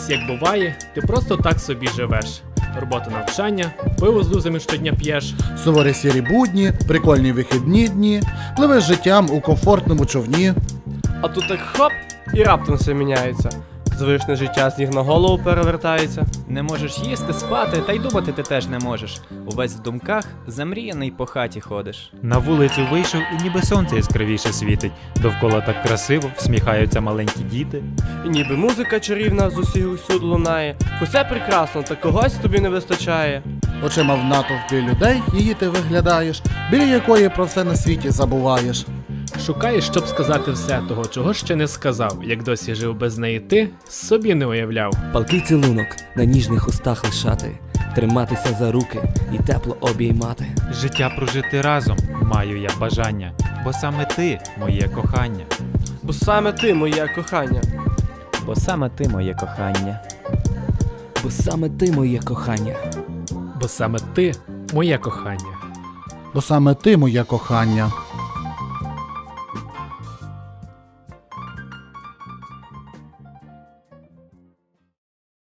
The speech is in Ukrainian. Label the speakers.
Speaker 1: ось як буває, ти просто так собі живеш. Робота, навчання, пиво з друзями щодня п'єш.
Speaker 2: Суворі сірі будні, прикольні вихідні дні, пливеш життям у комфортному човні.
Speaker 3: А тут так хоп, і раптом все міняється. Звичне життя з ніг на голову перевертається.
Speaker 4: Не можеш їсти, спати, та й думати ти теж не можеш. Увесь в думках, замріяний по хаті ходиш.
Speaker 5: На вулицю вийшов і ніби сонце яскравіше світить. Довкола так красиво, всміхаються маленькі діти.
Speaker 3: І ніби музика чарівна з усіх усюди лунає. Усе прекрасно, та когось тобі не вистачає.
Speaker 2: Очима в натовпі людей її ти виглядаєш, біля якої про все на світі забуваєш.
Speaker 1: Шукаєш, щоб сказати все того, чого ще не сказав. Як досі жив без неї ти, собі не уявляв.
Speaker 6: Палкий цілунок на ніжних устах лишати, триматися за руки і тепло обіймати.
Speaker 5: Життя прожити разом маю я бажання, бо саме ти моє кохання.
Speaker 3: Бо саме ти, моє кохання.
Speaker 4: Бо саме ти моє кохання.
Speaker 6: Бо саме ти моє кохання.
Speaker 1: Бо саме ти моє кохання.
Speaker 2: Бо саме ти моє кохання.